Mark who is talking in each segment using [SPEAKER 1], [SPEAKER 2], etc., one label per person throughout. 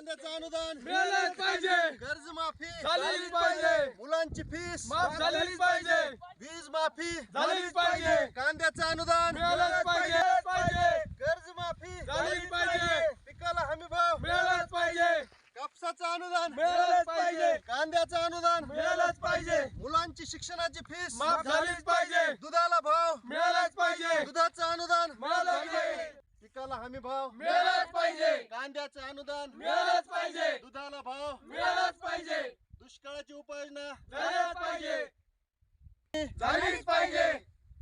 [SPEAKER 1] कांद्याचं अनुदान
[SPEAKER 2] मिळालंच पाहिजे,
[SPEAKER 1] कर्जमाफी
[SPEAKER 2] झालीच पाहिजे,
[SPEAKER 1] मुलांची फीस
[SPEAKER 2] माफ झालीच पाहिजे,
[SPEAKER 1] वीज माफी
[SPEAKER 2] झालीच पाहिजे,
[SPEAKER 1] कांद्याचं अनुदान
[SPEAKER 2] मिळालंच पाहिजे,
[SPEAKER 1] कर्जमाफी
[SPEAKER 2] झालीच पाहिजे,
[SPEAKER 1] पिकाला हमी भाव
[SPEAKER 2] मिळालंच पाहिजे,
[SPEAKER 1] कापसाचं अनुदान
[SPEAKER 2] मिळालंच पाहिजे,
[SPEAKER 1] कांद्याचं अनुदान
[SPEAKER 2] मिळालंच पाहिजे,
[SPEAKER 1] मुलांची शिक्षणाची फीस
[SPEAKER 2] माफ झालीच पाहिजे,
[SPEAKER 1] दुधाला भाव
[SPEAKER 2] मिळालंच पाहिजे,
[SPEAKER 1] दुधाचं अनुदान
[SPEAKER 2] मिळालंच पाहिजे,
[SPEAKER 1] पिकाला हमी भाव
[SPEAKER 2] मिळालंच पाहिजे,
[SPEAKER 1] कांद्याचं अनुदान
[SPEAKER 2] मिळालंच पाहिजे,
[SPEAKER 1] दुधाला भाव
[SPEAKER 2] मिळालंच पाहिजे,
[SPEAKER 1] दुष्काळाची उपाययोजना
[SPEAKER 2] झालीच पाहिजे, झालीच पाहिजे,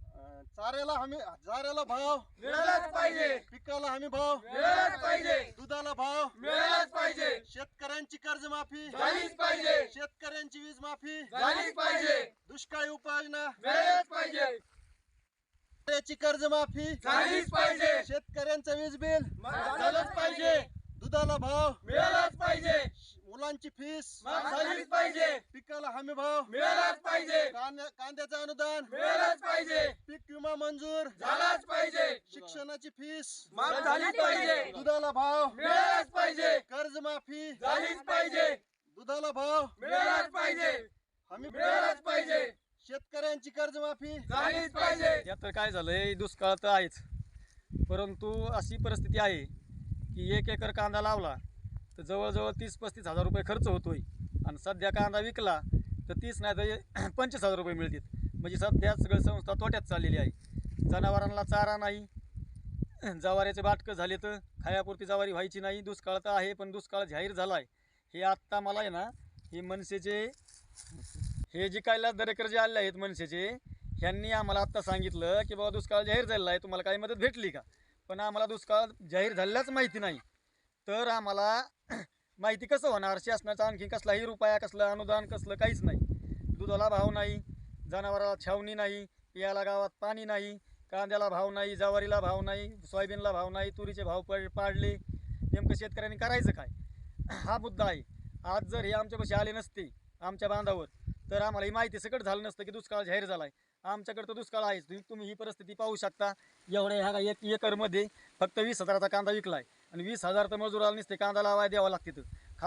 [SPEAKER 1] चाऱ्याला भाव
[SPEAKER 2] मिळालंच पाहिजे,
[SPEAKER 1] पिकाला हमी भाव
[SPEAKER 2] मिळालंच पाहिजे,
[SPEAKER 1] दुधाला भाव
[SPEAKER 2] मिळालंच पाहिजे,
[SPEAKER 1] शेतकऱ्यांची कर्जमाफी
[SPEAKER 2] झालीच पाहिजे,
[SPEAKER 1] शेतकऱ्यांची वीज माफी
[SPEAKER 2] झालीच पाहिजे,
[SPEAKER 1] दुष्काळी उपाययोजना
[SPEAKER 2] मिळालंच पाहिजे,
[SPEAKER 1] शेतकऱ्याची कर्जमाफी
[SPEAKER 2] झालीच पाहिजे,
[SPEAKER 1] शेतकऱ्यांचं वीज बिल
[SPEAKER 2] झालंच पाहिजे,
[SPEAKER 1] दुधाला भाव
[SPEAKER 2] मिळालंच पाहिजे,
[SPEAKER 1] मुलांची फीस
[SPEAKER 2] माफ झालीच पाहिजे,
[SPEAKER 1] पिकाला हमी भाव
[SPEAKER 2] मिळालंच पाहिजे,
[SPEAKER 1] कांद्याचं अनुदान
[SPEAKER 2] मिळालंच पाहिजे,
[SPEAKER 1] पीक विमा मंजूर
[SPEAKER 2] झालाच पाहिजे,
[SPEAKER 1] शिक्षणाची फीस
[SPEAKER 2] माफ झालीच पाहिजे,
[SPEAKER 1] दुधाला भाव
[SPEAKER 2] मिळालंच पाहिजे,
[SPEAKER 1] कर्जमाफी
[SPEAKER 2] झालीच पाहिजे,
[SPEAKER 1] दुधाला भाव
[SPEAKER 2] मिळालंच पाहिजे,
[SPEAKER 1] हमी
[SPEAKER 2] मिळालंच पाहिजे,
[SPEAKER 1] शेतकऱ्यांची कर्जमाफी
[SPEAKER 2] झालीच पाहिजे.
[SPEAKER 3] आता काय झालंय, दुष्काळ तर आहेच, परंतु अशी परिस्थिती आहे की 1 एकर कांदा लावला तर जवळजवळ 30-35 हजार रुपये खर्च होतोय आणि सध्या कांदा विकला तर 30 नाही तर 25,000 रुपये मिळतात. म्हणजे सध्या सगळी संस्था तोट्यात चाललेली आहे. जनावरांना चारा नाही, जवारीचे बाटकं झाले तर खायापुरती जवारी व्हायची नाही. दुष्काळ तर आहे, पण दुष्काळ जाहीर झाला आहे. हे आत्ता मला आहे ना, हे मनसेचे हे जे काय दरेकर जे आले आहेत मनसेचे, ह्यांनी आम्हाला आत्ता सांगितलं की बाबा दुष्काळ जाहीर झालेला आहे, तुम्हाला काही मदत भेटली का. पण आम्हाला दुष्काळ जाहीर झालेलाच माहिती नाही. तर आम्हाला माहिती कसं होणार, शासनाचा आणखी कसलाही रुपया, कसलं अनुदान, कसलं काहीच नाही. दुधाला भाव नाही, जनावराला छावणी नाही, पियाला गावात पाणी नाही, कांद्याला भाव नाही, ज्वारीला भाव नाही, सोयाबीनला भाव नाही, तुरीचे भाव पाडले. नेमकं शेतकऱ्यांनी करायचं काय, हा मुद्दा आहे. आज जर हे आमच्यापाशी आले नसते आमच्या बांधावर, तर आम्हाला ही माहिती सकट झालं नसतं की दुष्काळ जाहीर झाला आहे. आमच्याकडे तर दुष्काळ आहेच. तुम्ही ही परिस्थिती पाहू शकता. एवढ्या ह्या 1 एकरमध्ये फक्त 20,000चा कांदा विकला आहे आणि 20,000 तर मजुराला नसते कांदा लावायला द्यावं लागते.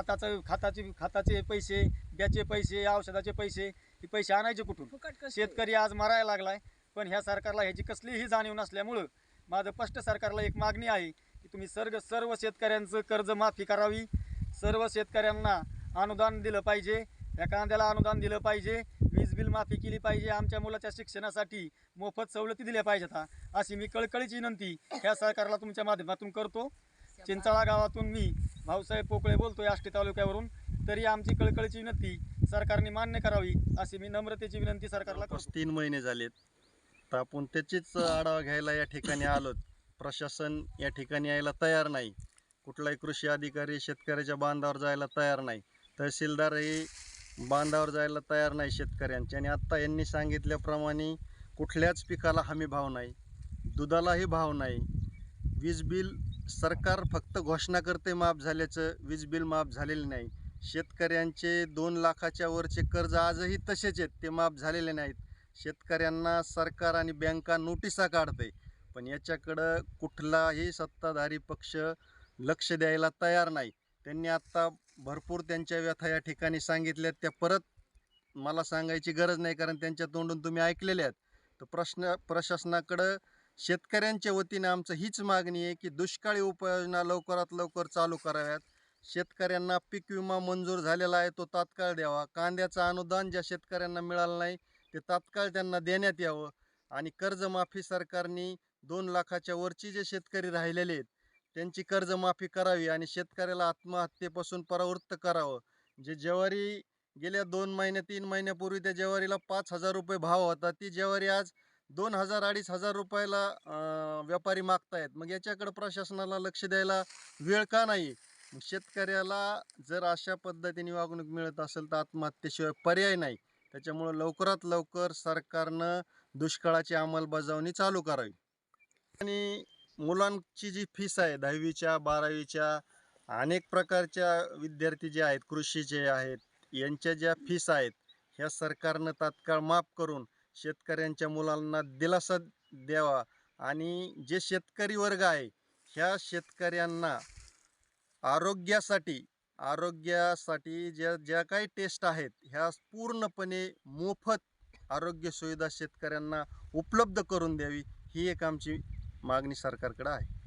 [SPEAKER 3] खताचे पैसे, ब्याचे पैसे, औषधाचे पैसे, हे पैसे आणायचे कुठून. शेतकरी आज मरायला लागलाय. पण ह्या सरकारला ह्याची कसलीही जाणीव नसल्यामुळं माझं स्पष्ट सरकारला एक मागणी आहे की तुम्ही सर्व शेतकऱ्यांचं कर्ज माफी करावी, सर्व शेतकऱ्यांना अनुदान दिलं पाहिजे, या कांद्याला अनुदान दिलं पाहिजे, वीज बिल माफी केली पाहिजे, आमच्या मुलाच्या शिक्षणासाठी मोफत सवलती दिल्या पाहिजेत. अशी मी कळकळीची विनंती ह्या सरकारला तुमच्या माध्यमातून करतो. चिंचाळा गावातून मी भाऊसाहेब पोकळे बोलतोय, आष्टी तालुक्यावरून. तरी आमची कळकळीची विनंती सरकारने मान्य करावी अशी मी नम्रतेची विनंती सरकारला करतो.
[SPEAKER 1] 3 महिने झालेत, तर आपण त्याचीच आढावा घ्यायला या ठिकाणी आलोत. प्रशासन या ठिकाणी यायला तयार नाही. कुठलाही कृषी अधिकारी शेतकऱ्याच्या बांधावर जायला तयार नाही. तहसीलदारही बांधावर जायला तयार नाही शेतकऱ्यांच्या. आणि आत्ता यांनी सांगितल्याप्रमाणे कुठल्याच पिकाला हमी भाव नाही, दुधालाही भाव नाही, वीज बिल सरकार फक्त घोषणा करते माफ झाल्याचं, वीज बिल माफ झालेले नाही. शेतकऱ्यांचे 2 लाखाच्या वरचे कर्ज आजही तसेच आहेत, ते माफ झालेले नाहीत. शेतकऱ्यांना सरकार आणि बँका नोटिसा काढते, पण याच्याकडं कुठलाही सत्ताधारी पक्ष लक्ष द्यायला तयार नाही. त्यांनी आत्ता भरपूर त्यांच्या व्यथा या ठिकाणी सांगितल्यात, त्या परत मला सांगायची गरज नाही, कारण त्यांच्या तोंडून तुम्ही ऐकलेल्या आहेत. तर प्रशासनाकडं शेतकऱ्यांच्या वतीने आमचं हीच मागणी आहे की दुष्काळी उपाययोजना लवकरात लवकर चालू कराव्यात. शेतकऱ्यांना पीक विमा मंजूर झालेला आहे, तो तात्काळ द्यावा. कांद्याचं अनुदान ज्या शेतकऱ्यांना मिळालं नाही ते तात्काळ त्यांना देण्यात यावं. आणि कर्जमाफी सरकारने 2 लाखाच्या वरची जे शेतकरी राहिलेले आहेत त्यांची कर्जमाफी करावी आणि शेतकऱ्याला आत्महत्येपासून परावृत्त करावं. जे ज्वारी गेल्या 2 महिने 3 महिन्यापूर्वी त्या ज्वारीला 5,000 रुपये भाव होता, ती ज्वारी आज 2,000-2,500 रुपयाला व्यापारी मागतायत. मग याच्याकडे प्रशासनाला लक्ष द्यायला वेळ का नाही. शेतकऱ्याला जर अशा पद्धतीने वागणूक मिळत असेल तर आत्महत्येशिवाय पर्याय नाही. त्याच्यामुळं लवकरात लवकर सरकारनं दुष्काळाची अंमलबजावणी चालू करावी. आणि मुलांची जी फीस आहे 10वीच्या 12वीच्या अनेक प्रकारच्या विद्यार्थी जे आहेत, कृषीचे आहेत, यांच्या ज्या फीस आहेत ह्या सरकारनं तात्काळ माफ करून शेतकऱ्यांच्या मुलांना दिलासा द्यावा. आणि जे शेतकरी वर्ग आहे ह्या शेतकऱ्यांना आरोग्यासाठी आरोग्यासाठी ज्या ज्या काही टेस्ट आहेत ह्या पूर्णपणे मोफत आरोग्य सुविधा शेतकऱ्यांना उपलब्ध करून द्यावी ही एक आमची मागणी सरकारकडे आहे.